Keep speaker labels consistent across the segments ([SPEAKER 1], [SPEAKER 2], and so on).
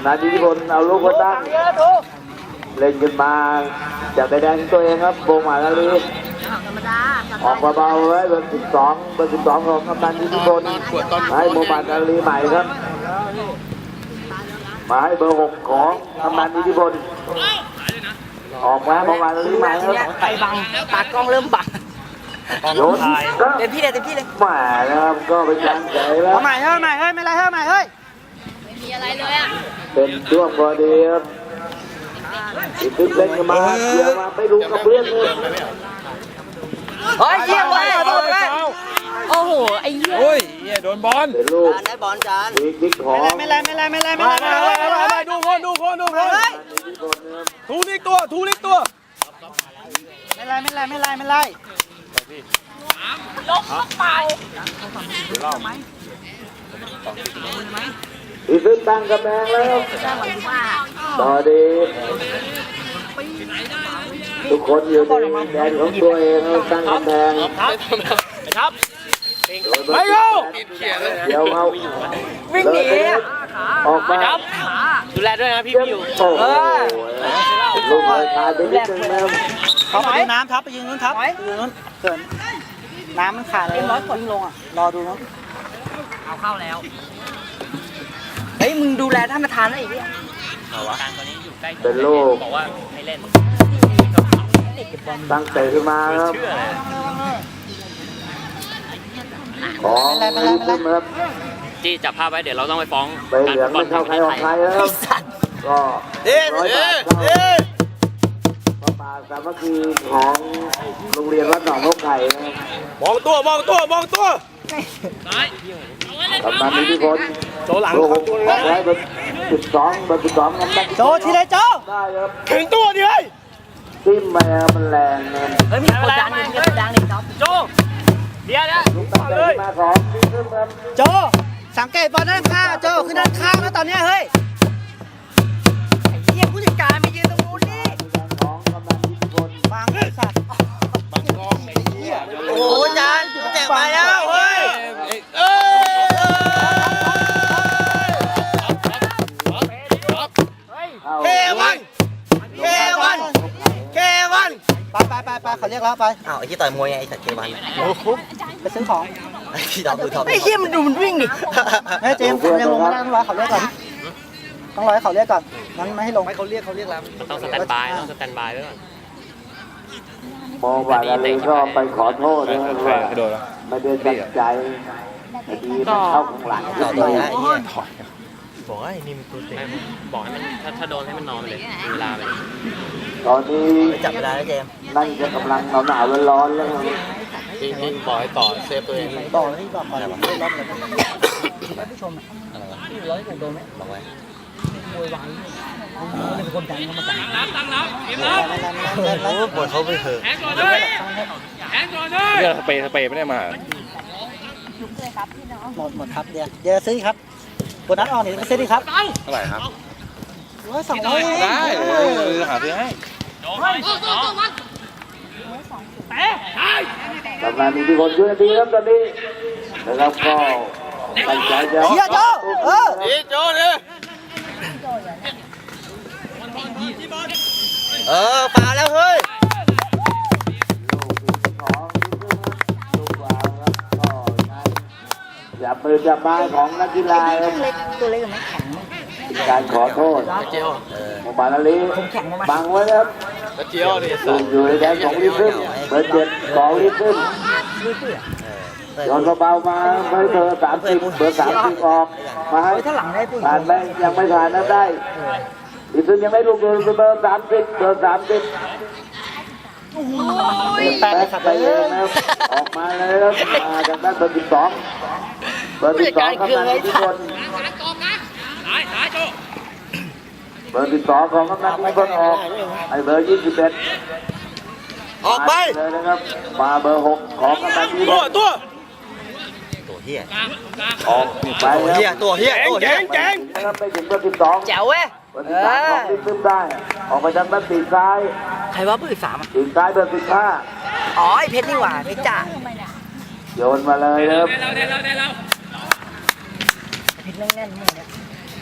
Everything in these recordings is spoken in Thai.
[SPEAKER 1] ำนันอิทธิพลเอาลูกมาตั้งเล่นขึ้นมาจากใบแดงตัวเองครับโบมาลาลีออกเบาๆไว้เบอร์ 12ของกำนันอิทธิพลให้โบมาลาลีใหม่ครับมาให้เบอร์ 6ของกำนันอิทธิพลออกมาโบมาลาลีใหม่ครับ
[SPEAKER 2] ไปบังตากล้องเริ่มบัง
[SPEAKER 1] โยน
[SPEAKER 2] เต็มที่เลย
[SPEAKER 1] แหมนะครับก็เป็นการใจแล้ว
[SPEAKER 2] ใหม่เฮ้ยไม่ไรเฮ้ยใหม่เฮ้ย
[SPEAKER 3] ไม่มีอะไรเลยอ่ะ
[SPEAKER 1] เป็นช่วงพอดีครับอีกเล่นกันมาเดี๋ยวมาไปดูกับเพื่อนเลย
[SPEAKER 2] เฮ้ยเยี่ยมเลยโอ้โหไอ้เหี้ย
[SPEAKER 4] โอ้ยโดนบอล
[SPEAKER 1] เป็นลูก
[SPEAKER 2] ได้บอลจาน
[SPEAKER 1] บิ๊กของ
[SPEAKER 2] ไม่ไร
[SPEAKER 4] ดูคนทูลิกตัว
[SPEAKER 2] ไม่ไร
[SPEAKER 3] ลงเข้าไป
[SPEAKER 1] อีกตั้งกำแพงแล้วต่อดีทุกคนอยู่ในแดนของตัวเองตั้งกำแพง
[SPEAKER 4] ครับ
[SPEAKER 1] ไม่เอาเดี๋ยวเอา
[SPEAKER 2] วิ่งหนี
[SPEAKER 1] ออกมา
[SPEAKER 4] ดูแลด้วยนะพี่อยู่
[SPEAKER 1] ลูกเลยขาดไปนิดนึงแล้ว
[SPEAKER 2] เขาไปดูน้ำทับไปยืนนู้นทับยืนนู้นเกินน้ำมันขาดเลยร้อยคนลงอ่ะรอดูมั้งเอาเข้าแล้วเฮ้ยมึงดูแลท่านประธานได้อีกเนี่ย
[SPEAKER 1] การตอนนี้อยู่ใกล้เป็นลูกบอกว่าให้เล่นตั้งเตะขึ้นมาครับของรีบขึ้นครับ
[SPEAKER 4] จี้จับภาพไว้เดี๋ยวเราต้องไปฟ้อง
[SPEAKER 1] ไปเหลืองไม่เข้าใครออกใครแล้วก็100 บาทป่าสามัคคีของโรงเรียนวัดหนองนกไข่
[SPEAKER 4] มองตัว
[SPEAKER 1] กำนันอิทธิพล
[SPEAKER 4] โจหลัง
[SPEAKER 1] ไว้เบอร์ 12น้ำหนัก
[SPEAKER 2] โจทีไรโจ
[SPEAKER 1] ได้ครับ
[SPEAKER 4] ถึงตัวดิเฮ้ย
[SPEAKER 1] จิ้มมามันแรงนะ
[SPEAKER 2] เฮ้ยมีคนดังนี่ครับ
[SPEAKER 4] โจเดี๋ยว
[SPEAKER 1] ลูกตั้งใจมาของ
[SPEAKER 2] โจสังเกตบอลด้านข้างโจขึ้นด้านข้างแล้วตอนนี้เฮ้ยไอ้เหี้ยผู้จัดการมายืนตรงนู้นนี่
[SPEAKER 1] ของกำนันอิทธิพล
[SPEAKER 2] บางสัตว์
[SPEAKER 4] บางกองไอ้เหี้ย
[SPEAKER 2] โอ้โหจานแจกไปแล้วเฮ้ยไปเขาเรียกแล้วไป
[SPEAKER 5] อ้าวไอ้ที่ต่อยมวยไงไอ้สัตว์เควัน
[SPEAKER 2] โอ้โหไปซื้อของ
[SPEAKER 5] ไอ้ที่ดอกดูทอม
[SPEAKER 2] ไอ้เหี้ยมันดูมันวิ่งดิเฮ้ยเจมส์ยังลงไม่ได้ต้องรอเขาเรียกก่อนงั้นไม่ให้ลง
[SPEAKER 5] ไม่เขาเรียกแล้ว
[SPEAKER 4] ต้องสแตนบายไว้ก่อน
[SPEAKER 1] มองว่าอะไรก็ไปขอโทษนะครับว่าไม่ได้ตั้งใจดีมันเข้าข้างหลัง
[SPEAKER 5] ต่อตัวไอ้เหี้ยบอกไอ้นี่มันตัวเต็ง
[SPEAKER 4] บอกให้มันถ้าโดนให้มันนอนเลยเวลาไป
[SPEAKER 1] ตอนนี้
[SPEAKER 5] จับเวลาแล้วเจม
[SPEAKER 1] นั่นจะกำลังหนาวร้อนแล้ว
[SPEAKER 4] จริงบอกให้ต่อเซฟตัวเอง
[SPEAKER 2] ต่อที่บอกก่อนอะไรวะรอบเลยท่านผู้ชมอะไรวะที่ร้อยถูกโดนไหม
[SPEAKER 5] บอกไว้
[SPEAKER 2] มวยวายนี่เป็นคนดังเขามาดัง
[SPEAKER 4] ตั้งแล้วกินแล้ว
[SPEAKER 5] โอ้บอลเขาไปเถอะ
[SPEAKER 4] แข่งก่อนเลยเรื่องสเปย์ไม่ได้มา
[SPEAKER 2] หมดครับเดี๋ยวซื้อครับโบนัสออนนี่มาซื้อดิครับ
[SPEAKER 4] เท่าไหร่ครับ
[SPEAKER 2] 200
[SPEAKER 4] ได้หาซื้อให้
[SPEAKER 1] กำลังมีที่คนช่วยดีครับตอนนี้นะครับก็ตั้งใจจะ
[SPEAKER 2] เชียร์โจ
[SPEAKER 4] โจเลย
[SPEAKER 5] เปล่าแล้วเฮ้ย
[SPEAKER 1] จับมือจับไม้ของนักกีฬา
[SPEAKER 2] ตัวเล็กไม่แข็ง
[SPEAKER 1] การขอโทษโมบาลาลีบังไว้ครับ
[SPEAKER 4] เจียวนี่
[SPEAKER 1] อยู่ในแดนของลิฟต์เบอร์ 7ของลิฟต์โยนเบาๆมาเบอร์ 30ออกมาให้ผ่านไหมยังไม่ผ่านนะได้ลิฟต์ยังไม่ลงเบอร์ 30แปะไปเลยนะออกมาเลยครับมาจากด้านเบอร์ 12กำนันอิทธิพลเบอร์ 12ของกำนันอิทธิพลออกไอเบอร์ 21
[SPEAKER 5] ออกไป
[SPEAKER 1] เลยนะครับมาเบอร์ 6ของกำนันอิทธิพล
[SPEAKER 5] ตัวเฮีย
[SPEAKER 1] ออกไป
[SPEAKER 5] ตัวเฮีย
[SPEAKER 1] นะครับไปถึงเบอร์ 12
[SPEAKER 2] แจ๋วเว้ย
[SPEAKER 1] เบอร์ 13ของลิฟต์ได้ออกไปทางด้านปีกซ้าย
[SPEAKER 2] ใครว่าเบอร์ 13อ่ะ
[SPEAKER 1] ปีกซ้ายเบอร์ 15
[SPEAKER 2] อ๋อไอเพชรนี่หว่าเพชรจ่า
[SPEAKER 1] โยนมาเลยครับ
[SPEAKER 2] เพชรแน่นๆมึงเนี่ย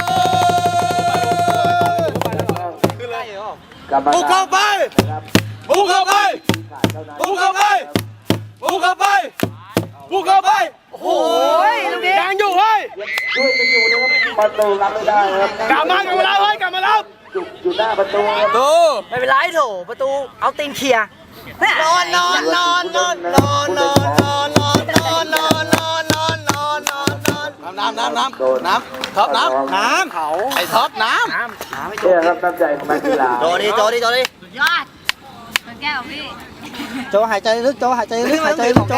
[SPEAKER 1] กรรม
[SPEAKER 4] บุก
[SPEAKER 1] กา
[SPEAKER 4] เข้าร ไป
[SPEAKER 1] ครับ
[SPEAKER 4] บุกเข้าไป บุกเข้าไป บุกเข้าไป บุกเข้าไป โอ้โหยังอยู่เฮ้ย
[SPEAKER 1] ช่วยกันอยู่นะครับประตูรับไม่ได้ครับ
[SPEAKER 4] กลับมาแล้วเฮ้ยกลับมาแล้ว
[SPEAKER 1] อยู่หน้าประตูครับ
[SPEAKER 4] ดู
[SPEAKER 2] ไม่เป็นไรโถประตูเอาตีนเคลียร์
[SPEAKER 4] นอนนอนนอนนอนนอนนอนนอนนอนนอนนอนนอนนอนนอนนอนน้ำท็อปน้ำ
[SPEAKER 2] เขา
[SPEAKER 4] ไอ้ท็อปน้ำ
[SPEAKER 1] เนี่ยครับน้ำใจของนักกีฬา
[SPEAKER 5] โจดิโจดิโจดิ
[SPEAKER 3] สุดยอดมันแก้วพี่
[SPEAKER 2] โจหายใจลึกโจหายใจลึกหายใจลึกโจ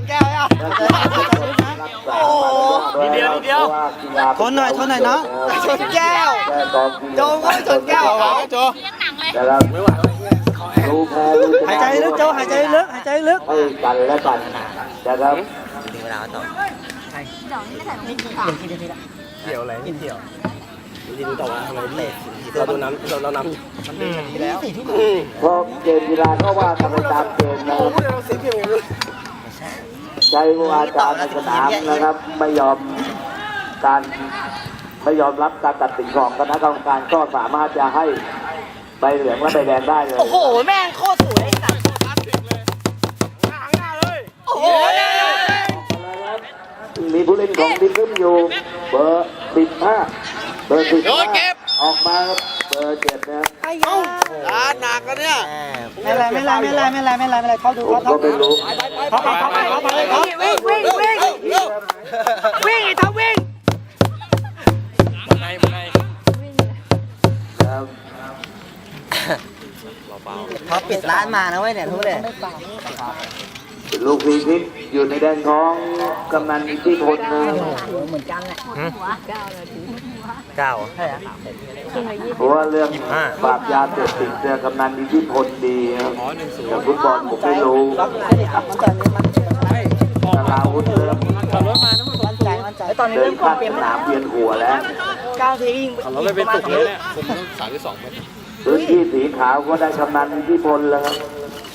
[SPEAKER 1] นิดเดียว
[SPEAKER 2] ทนหน่อยเนาะชนแก้ว
[SPEAKER 1] โจ
[SPEAKER 2] โจก็ชนแก้ว
[SPEAKER 4] โจ
[SPEAKER 3] เลี้ยงหนังเลย
[SPEAKER 1] นะครับ
[SPEAKER 2] ข
[SPEAKER 1] ดูแพ้ดูชนะ
[SPEAKER 2] หายใจลึกเจ้าหายใจลึกหายใจลึก
[SPEAKER 1] ให้กันและกันนะครับ
[SPEAKER 4] ถึงเวลาต่อ
[SPEAKER 3] เดี๋ยวนี้ไม่ใส่รองเท้า
[SPEAKER 5] เกี่ยวอะไรเกี่ยว
[SPEAKER 4] ดีดูต่อว่าทำไมเตะเราโดนน้ำเราน้ำ
[SPEAKER 5] มันเป็นแบบนี้แล้ว
[SPEAKER 1] เพราะเกมกีฬาก็ว่ากันไปตามเกมนะครับ
[SPEAKER 4] เราเสียเพียงอย่างนี้
[SPEAKER 1] ใช้วาจาในสนามนะครับ ไม่ยอมรับการตัดสินของคณะกรรมการก็สามารถจะให้ใบเหลืองและใบแดงได้เลย
[SPEAKER 2] โอ้โหแม่งโคตรสวยสัตว์โอ้โห
[SPEAKER 1] มีผู้เล่นของทีมขึ้นอยู่เบอร์15เบอร์15ออกมาครับเบอร์7นะครับ
[SPEAKER 2] ไอ้ยา
[SPEAKER 4] ร้านหนักกันเนี่ย
[SPEAKER 2] ไม่ไรเขาดู
[SPEAKER 1] ผม
[SPEAKER 2] เขา
[SPEAKER 1] ก็ไม่รู้
[SPEAKER 2] วิ่งไอ้ท็อปวิ่ง
[SPEAKER 1] ครับ
[SPEAKER 2] ท็อปปิดร้านมานะเว้ยเนี่ยทุกเลย
[SPEAKER 1] ลูกพีพิษอยู่ในแดนของกำนันอิทธิพลนะ
[SPEAKER 2] เหมือนกันแหละ
[SPEAKER 5] เก้า
[SPEAKER 1] เพราะว่าเรื่องปราบยาเสพติดเนี่ยกำนันอิทธิพลดีครับแต่ฟุตบอลผมไม่รู้
[SPEAKER 2] ล็อกไม่ได้ครับมันตอนนี้มัน
[SPEAKER 1] ตาลาวุธเริ่ม
[SPEAKER 2] มั่นใจตอนนี้
[SPEAKER 1] เดิ
[SPEAKER 2] เริ่
[SPEAKER 1] น
[SPEAKER 2] ม
[SPEAKER 1] ข้าม
[SPEAKER 2] เปลี่ยน
[SPEAKER 1] สนามเวียนหัวแล้ว
[SPEAKER 2] 9 ทียิง
[SPEAKER 5] เราไม่เป็นตุกเลยเนี่ยผมต้อง32เมตร
[SPEAKER 1] พื้นที่สีขาวก็ได้กำนันอิทธิพลแล้วครับ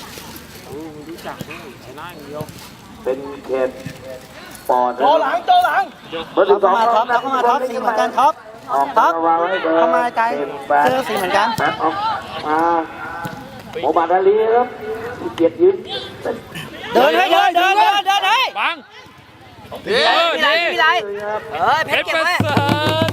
[SPEAKER 1] เป็นเขตปอดโจหลังเบอร์12
[SPEAKER 2] เข้ามาท็อปเข้ามาท็อปสีเหมือนกันท็อป
[SPEAKER 1] ออกมาวางไว้เบอร์
[SPEAKER 2] เข้ามาไกลเสื้อสีเหมือนกัน
[SPEAKER 1] แบ็คออกมาโมบัดอาลีครับที่เกียรติยืน
[SPEAKER 2] เดินให้เดินให้
[SPEAKER 5] บัง
[SPEAKER 2] มีไรเฮ้ยเพชรเก็บไว้